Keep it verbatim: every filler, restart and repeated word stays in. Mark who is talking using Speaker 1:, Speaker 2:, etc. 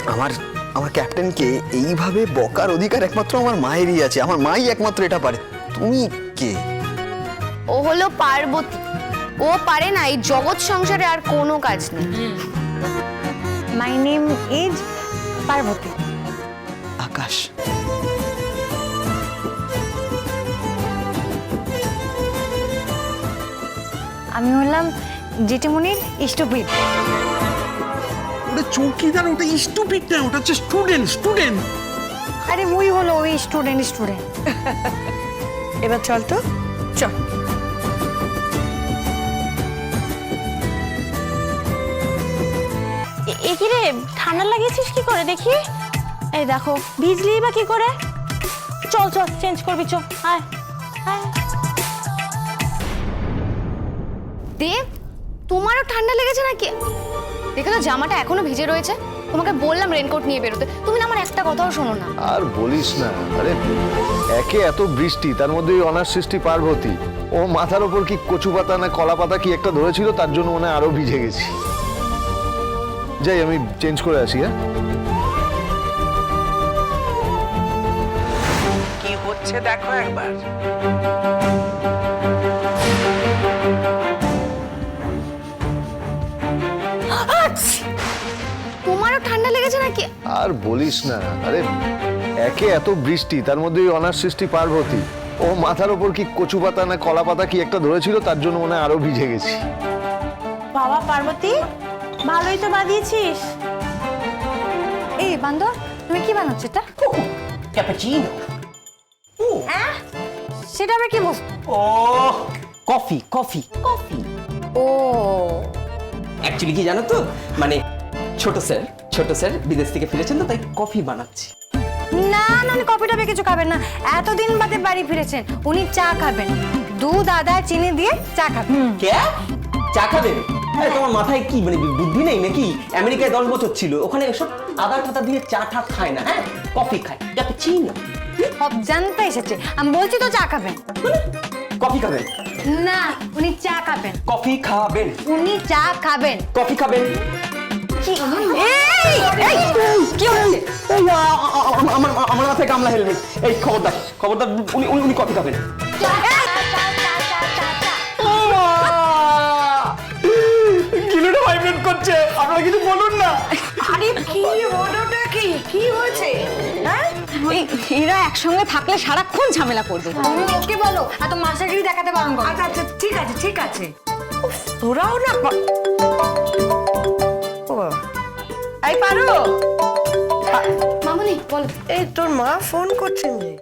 Speaker 1: আমার আমার ক্যাপ্টেনকে এইভাবে বকার অধিকার একমাত্র আমার মায়েরই আছে। আমার মাই একমাত্র এটা পারে। তুমি কে?
Speaker 2: ও হলো পার্বতী। ও পারে না এই জগৎ সংসারে আর কোনো কাজ নেই।
Speaker 3: My name is Parvati.
Speaker 1: Akash.
Speaker 3: আমি হলাম জেঠিমনির ইষ্টপিঠ।
Speaker 4: ওটা চৌকিদার, ওটা স্টুপিড না, ওটা হচ্ছে স্টুডেন্ট স্টুডেন্ট
Speaker 3: আরে মুই হলো ওই স্টুডেন্ট স্টুডেন্ট।
Speaker 5: এবার চল তো, চল।
Speaker 6: এ কি রে, ঠান্ডা লাগিয়েছিস কি করে দেখি? এই দেখো ভিজলি বা কি করে? চল চল চেঞ্জ করবি, চল আয় আয়।
Speaker 2: দেব, তোমারও ঠান্ডা লেগেছে নাকি? দেখো তো জামাটা এখনো ভিজে রয়েছে। তোমাকে বললাম রেনকোট নিয়ে বেরোতে, তুমি না আমার একটা কথাও শোনো না।
Speaker 7: আর বলিস না, আরে একে এত বৃষ্টি, তার মধ্যে ওই অনার সৃষ্টি পার্বতী, ও মাথার ওপর কি কচু পাতা না কলা পাতা কি একটা ধরেছিল, তার জন্য মনে হয় আরো ভিজে গেছি। যাই আমি চেঞ্জ করে আসি। হ্যাঁ,
Speaker 5: কি হচ্ছে দেখো একবার।
Speaker 2: তোমারও ঠান্ডা লেগেছে নাকি?
Speaker 7: আর বলিস না, আরে একে এত বৃষ্টি, তার মধ্যে ওই অনার সৃষ্টি পার্বতী, ও মাথার ওপর কি কচু পাতা না কলা পাতা কি একটা ধরেছিল, তার জন্য মনে হয় আরো ভিজে গেছি।
Speaker 6: বাবা পার্বতী, ভালোই তো বাঁধিয়েছিস।
Speaker 3: এই বান্দর, তুমি কি বানাচ্ছ এটা?
Speaker 8: ক্যাপাচিনো।
Speaker 3: হ্যাঁ, সেটা আবার কি বস?
Speaker 8: ও কফি কফি কফি।
Speaker 2: ও
Speaker 8: অ্যাকচুয়ালি কি জানো তো, মানে ছোট স্যার ছোট স্যার বিদেশ থেকে ফিরেছেন তো, তাই কফি বানাচ্ছি।
Speaker 3: না না, উনি কফি টফি কিছু খাবেন না। এতদিন বাদে বাড়ি ফিরেছেন, উনি চা খাবেন। দুধ আদা চিনি দিয়ে চা খাবেন।
Speaker 8: কে চা খাবেন? আরে তোমার মাথায় কি মানে বুদ্ধি নেই নাকি? আমেরিকায় দশ বছর ছিল, ওখানে এসব আদা টাদা দিয়ে চা টা খায় না, হ্যাঁ কফি খায়। ক্যাপাচিনো।
Speaker 3: সব জানতে এসেছে, আমি বলছি তো চা খাবেন।
Speaker 8: কফি খাবেন?
Speaker 3: না, উনি চা খাবেন।
Speaker 8: কফি খাবেন?
Speaker 3: উনি চা খাবেন।
Speaker 8: কফি খাবেন?
Speaker 3: এই এই কি হচ্ছে?
Speaker 8: এই, আ- আ- আ- আমার আমার মাথায় গামলা হেলমেট। এই খবরদার খবরদার, উনি উনি উনি কফি খাবেন। কিলোটা ভাইব্রেট করছে, আপনারা কিছু বলুন না।
Speaker 5: আরে কি ওটা কি কি হয়েছে? হ্যাঁ,
Speaker 3: এরা একসঙ্গে থাকলে সারাক্ষণ ঝামেলা করবে। তুমি ওকে বলো এত মাস্টারগিরি দেখাতে বারণ করো।
Speaker 5: আচ্ছা আচ্ছা ঠিক আছে ঠিক আছে। উফ, তোরাও না পা- ও বাবা। এই পারো,
Speaker 2: মামুনি বলো।
Speaker 5: এই তোর মা ফোন করছেন যে।